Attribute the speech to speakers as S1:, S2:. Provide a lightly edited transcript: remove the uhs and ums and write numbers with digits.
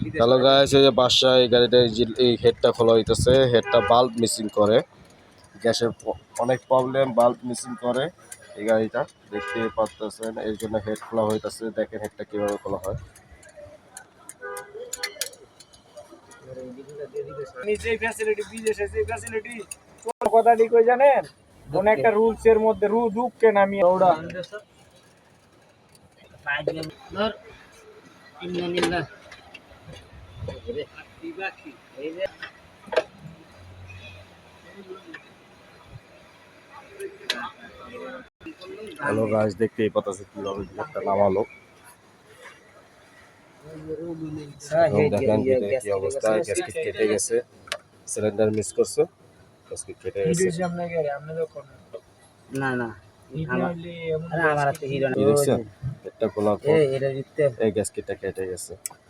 S1: Hello guys, এই যে বাসায় এই গাড়িটা এই হেডটা খোলা হইতেছে। হেডটা বাল্ব মিসিং করে, গ্যাসের অনেক প্রবলেম, বাল্ব মিসিং করে এই গাড়িটা দেখতে পাচ্ছেন। এই জন্য হেড খোলা হইতেছে। দেখেন হেডটা কিভাবে খোলা হয়।
S2: কথাটি কই জানেন, কোন একটা রুলস এর মধ্যে ঢুককে নামি ওরা
S1: হ্যালো গাইস, দেখতেই পাচ্ছেন কিভাবে হেডটা নামালো। দেখেন ভিতরে কি অবস্থা, গ্যাসকেট কেটে গেছে, সিলিন্ডার মিস করছে, গ্যাসকেট কেটে গেছে।
S3: না না আমার হাতে হিরো না।
S1: কি দেখছেন? হেডটা খোলার পর এই গ্যাসকেটটা কেটে গেছে।